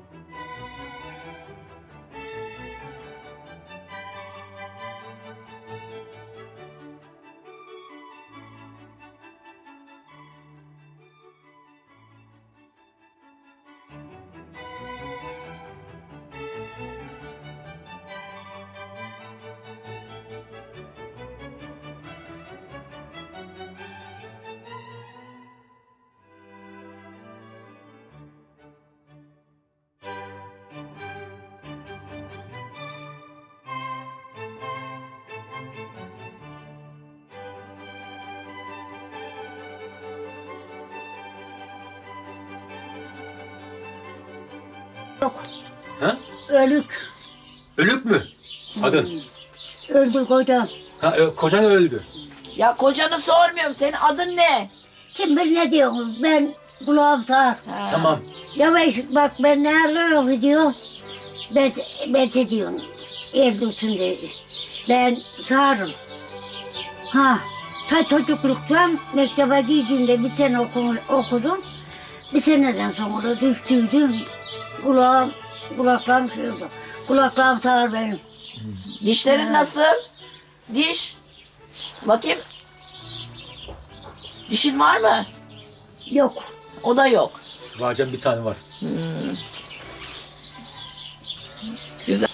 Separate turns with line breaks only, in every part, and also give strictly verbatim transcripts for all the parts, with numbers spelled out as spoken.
Yok.
Ha?
Ölük.
Ölük mü? Kadın.
Öldü kocam.
Ha, ö- kocan öldü.
Ya kocanı sormuyorum. Senin adın ne?
Kim bilir ne diyorsunuz? Ben kulağım sağır.
Ha.
Tamam.
Yavaş bak ben ne arıyorum gidiyorum. Bet, bet ediyorum. Evde üstünde. Ben sağırım. Ha. Ta çocukluktan mektebe gittiğimde bir sene okum, okudum. Bir seneden sonra düştüydüm. Kulağım, kulaklarım şey oldu. Kulaklarım sağır benim.
Dişlerin
Ha.
nasıl? Diş. Bakayım. Dişin var mı?
Yok.
O da yok.
Varcan bir tane var.
Güzel.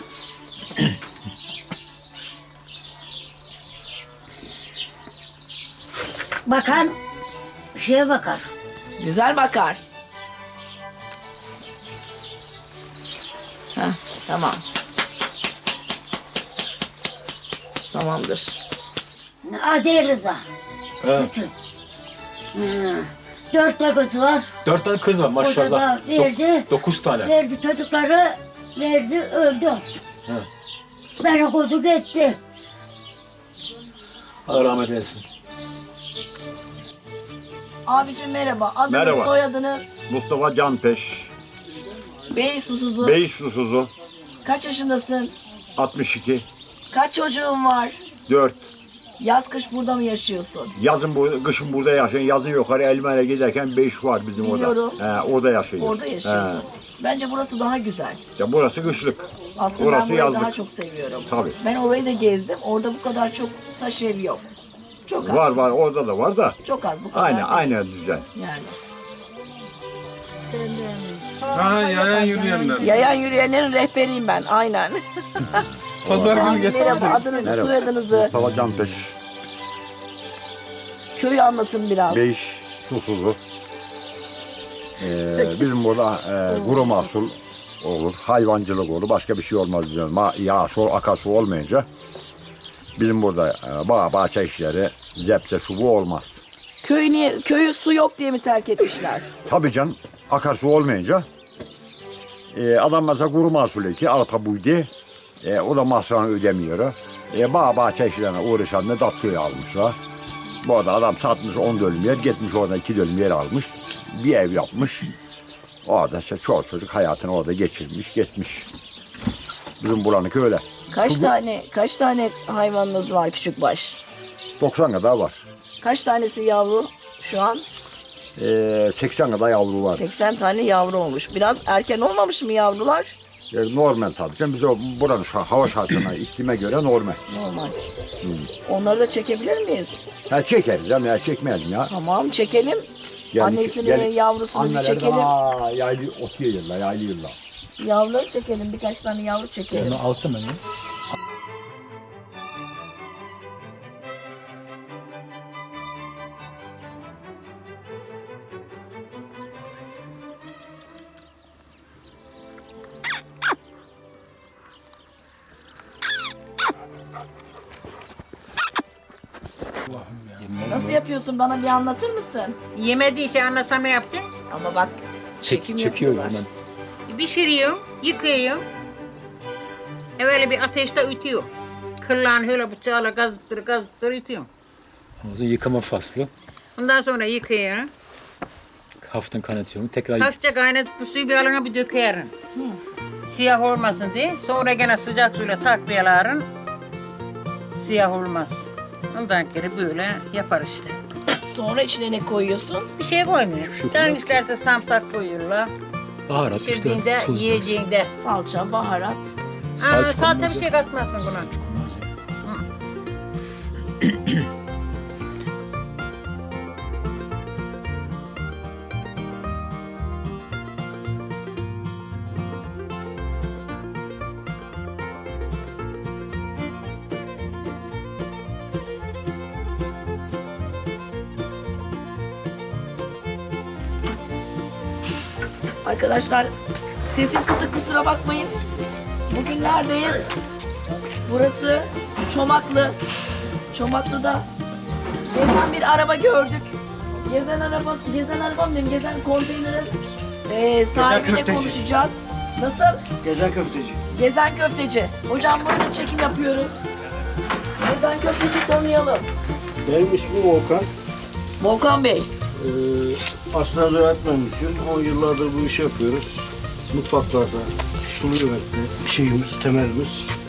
Bakan şeye bakar.
Güzel bakar. Heh, tamam. Tamamdır.
Adi Rıza.
Ha.
Bütün. Hı. Dört de kız var.
Dört tane kız var maşallah.
O da verdi.
Dok- dokuz tane.
Verdi çocukları. Verdi öldü.
Ha.
Ben okudu gitti.
Allah rahmet eylesin.
Abicim merhaba. Adınız,
Merhaba.
soyadınız?
Mustafa Canpeş,
Bey Susuzu.
Bey Susuzu,
Kaç yaşındasın?
altmış iki,
Kaç çocuğun var?
dört.
Yaz kış burada mı yaşıyorsun?
Yazın bu, kışın burada yaşıyorsun. Yazın yukarı Elmalı'ya giderken beş var bizim
Biliyorum.
orada. He, orada yaşıyoruz.
Orada yaşıyorsun.
He.
Bence burası daha güzel.
Ya burası kışlık.
Aslında
Orası
ben burayı
yazlık.
daha çok seviyorum.
Tabii.
Ben orayı da gezdim. Orada bu kadar çok taş ev yok. Çok az.
Var var orada da var da.
Çok az bu kadar.
Aynı
değil.
aynı düzen.
Yani.
Ha yayan yürüyenler.
Yayan yürüyenlerin rehberiyim ben. Aynen.
Pazar günü
Merhaba.
getirecek.
Adınızı,
Merhaba.
soyadınızı,
Mustafa Canpeş,
köyü anlatın biraz.
Bey Susuzu. Ee, bizim burada e, kuru mahsul olur, hayvancılık olur, başka bir şey olmaz bizim. Ma- Yağış, ol, akarsu olmayınca bizim burada e, bağ, bahçe işleri, zepçe, su bu olmaz.
Köyü, niye, köyü su yok diye mi terk etmişler?
Tabii can, akarsu olmayınca e, adam mesela kuru mahsul eki, arpa buydu. E, o da masrafını ödemiyor. E, bağ bahçe işlerine uğraşan da Datlı'yı almışlar. Bu arada adam satmış on dönüm yer, gitmiş orada iki dönüm yer almış. Bir ev yapmış. Orada işte çoğu çocuk hayatını orada geçirmiş, gitmiş. Bizim buranın öyle.
Kaç
Su-
tane kaç tane hayvanınız var küçükbaş?
doksan kadar var.
Kaç tanesi yavru şu an?
E, seksen kadar yavru var.
seksen tane yavru olmuş. Biraz erken olmamış mı yavrular?
E, normal tabii canım. Biz o buranın şa- hava şartına, iklime göre normal.
Normal. Onları da çekebilir miyiz?
Ha, çekeriz canım ya, çekmeyelim ya.
Tamam çekelim.
Yani
Annesini,
gel-
yavrusunu bir
Anneler
çekelim.
aa, yaylı otuyorlar, yaylıyorlar.
Yavruları çekelim. Birkaç tane yavru çekelim.
Altı mı?
Nasıl yapıyorsun? Bana bir anlatır mısın?
Yemediyse anlasam ne yapacaksın?
Ama bak çekim
çekiyor
yapıyorlar.
hemen.
Pişiriyorum, yıkıyorum. Evvel bir ateşte ütüyor. Kırlan öyle bıçağla gazıttır gazıttır ütüyorum.
O zaman yıkama faslı.
Ondan sonra yıkıyorum.
Hafiften kaynatıyorum. Tekrar
Hafifçe kaynatıp bu suyu bir alana bir dökerim. Siyah olmasın diye. Sonra gene sıcak suyla taklayaların. Siyah olmaz. Ondan geri böyle yapar işte.
Sonra içine ne koyuyorsun?
Bir şey koymuyor.
Hiçbir şey
Can
koymaz ki.
isterse samsak koyuyorlar.
Baharat işte,
Pişirdiğinde,
tuz.
yiyeceğinde.
Salça, baharat.
Aa,
Salça
salça
olmaz
bir
ya.
şey katmazsın buna.
Arkadaşlar sesim kısık, kusura bakmayın. Bugün neredeyiz? Burası Çomaklı. Çomaklı'da gezen bir araba gördük. Gezen araba, gezen arabam diyeyim, gezen konteynerin eee sahibiyle konuşacağız. Nasıl?
Gezen köfteci.
Gezen köfteci. Hocam buyurun, çekim yapıyoruz. Gezen köfteci tanıyalım.
Benim ismim Volkan.
Volkan Bey.
Ee, aslında ziraat mühendisiyim. on yıllardır bu işi yapıyoruz. Mutfaklarda sulu yemekte şeyimiz, temelimiz.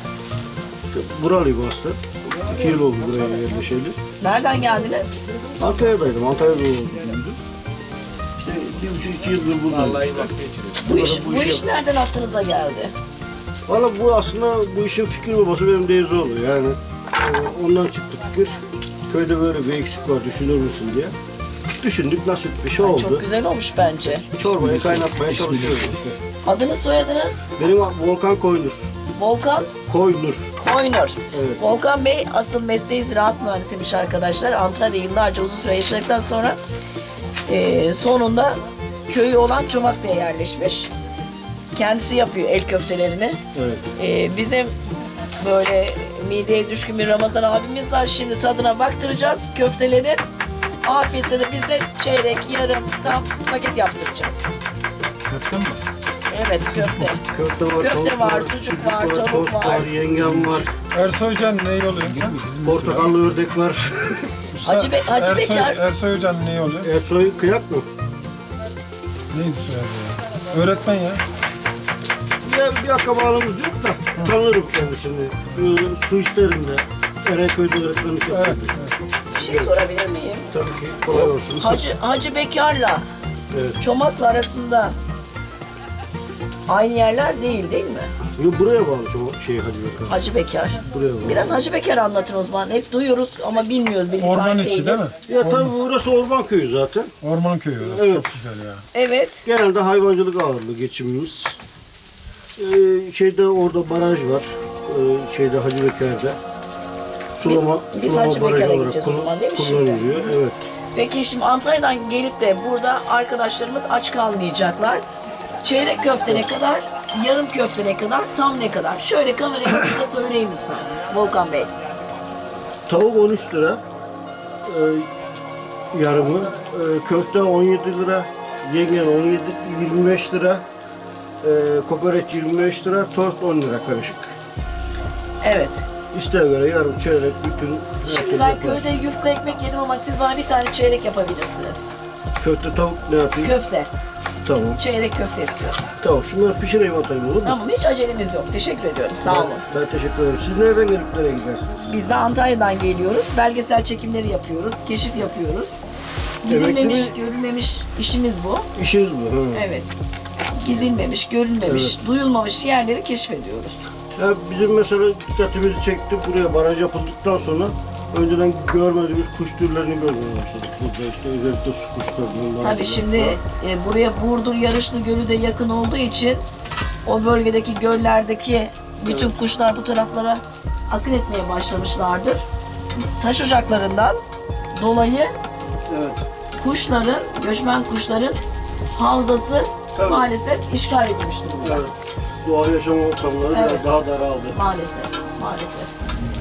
Buralıyım aslında. İki yıl oldu buraya yerleşeli.
Nereden geldiniz?
Antalya'daydım. Antalya'da oldum. İşte bir buçuk iki yıldır buradayım.
Bu iş,
Bu
bu
işi
iş nereden aklınıza geldi?
Valla bu aslında bu işin fikir babası benim teyze oluyor. Yani e, ondan çıktı fikir. Köyde böyle bir eksik var, düşünür müsün diye. Düşündük, nasip bir şey oldu.
Çok güzel olmuş bence.
Çorbayı kaynatmaya çalışıyoruz işte.
Adınız, soyadınız?
Benim Volkan Koynur.
Volkan
Koynur.
Koynur.
Evet.
Volkan Bey asıl mesleği ziraat mühendisiymiş arkadaşlar. Antalya'da yıllarca uzun süre yaşadıktan sonra eee, sonunda köyü olan Çomaklı'ya yerleşmiş. Kendisi yapıyor el köftelerini.
Evet.
Eee, bizim böyle mideye düşkün bir Ramazan abimiz var. Şimdi tadına baktıracağız köftelerin. Afiyetle de biz de çeyrek, yarım, tam paket yaptıracağız.
Köfte mi?
Evet, köfte.
Köfte var,
Köfte
tavuk
var, sucuk var, tavuk
tost
var.
var, yengem var,
Ersoy Hocan ne oluyor?
portakallı ördek var.
Hacı, Be Hacı
Ersoy,
Bekar.
Ersoy Hocan ne oluyor?
Ersoy kıyak mı?
Neydi soyadı ya? Öğretmen ya.
Ya bir akrabalığımız yok da tanırım kendisini. Böyle su işlerinde, Erenköy'de öğretmenlik
Evet.
yapıyordu.
Bir şey sorabilir miyim?
Tabii ki kolay olsun.
Hacı, Hacı Bekar'la
Evet.
Çomaklı arasında aynı yerler değil değil mi?
Yo, buraya bağlı şu şey Hacı Bekar.
Hacı Bekar.
Buraya bağlı.
Biraz Hacı Bekar anlatın o zaman. Hep duyuyoruz ama bilmiyoruz. bilgi
Orman
sahibi
içi değil mi?
değiliz.
Ya tabii burası orman köyü zaten.
Orman köyü orası.
Evet.
Çok güzel ya.
Evet.
Genelde hayvancılık ağırlığı geçimimiz. Ee, şeyde orada baraj var. Ee, şeyde Hacı Bekar'da. Sulama,
Biz- biz
sulama
Hacı
barajı
Bekar'a
olarak
gideceğiz o
kullan-
zaman değil mi şimdi?
kullanılıyor. Evet.
Peki şimdi Antalya'dan gelip de burada arkadaşlarımız aç kalmayacaklar. Çeyrek köfte ne kadar, yarım köfte ne kadar, tam ne kadar? Şöyle kameraya da söyleyin lütfen Volkan Bey.
Tavuk on üç lira. Ee, yarımı. Ee, köfte on yedi lira. Yengen on yedi, yirmi beş lira. Ee, kokoreç yirmi beş lira. Tost on lira karışık.
Evet.
İsteğe göre yarım, çeyrek, bütün
Şimdi
herkes
ben
yapar.
köyde yufka ekmek yedim ama siz bana bir tane çeyrek yapabilirsiniz.
Köfte tavuk ne yapayım?
Köfte.
Tamam.
Çeyrek köfte istiyorum.
Tamam. Şunları pişireyim atayım olur mu?
Tamam, hiç aceleniz yok. Teşekkür ediyorum. Sağ olun.
Ben, ben teşekkür ederim. Siz nereden gelip nereye gidersiniz?
Biz de Antalya'dan geliyoruz. Belgesel çekimleri yapıyoruz. Keşif yapıyoruz. Gidilmemiş,
Emekli mi?
görülmemiş işimiz bu.
İşiniz bu. Ha.
Evet. Gidilmemiş, görülmemiş, duyulmamış yerleri keşfediyoruz.
Ya bizim mesela dikkatimizi çekti. Buraya baraj yapıldıktan sonra önceden görmediğimiz kuş türlerini görmeye başladık. Burada işte özellikle su kuşlarından.
Tabii şimdi e, buraya Burdur Yarışlı Gölü de yakın olduğu için o bölgedeki göllerdeki bütün kuşlar bu taraflara akın etmeye başlamışlardır. Taş ocaklarından dolayı
Evet.
kuşların, göçmen kuşların havzası
Tabii.
maalesef işgal edilmiş durumda.
Evet. Doğa yaşam ortamları biraz
Evet.
daha daraldı.
Maalesef, maalesef.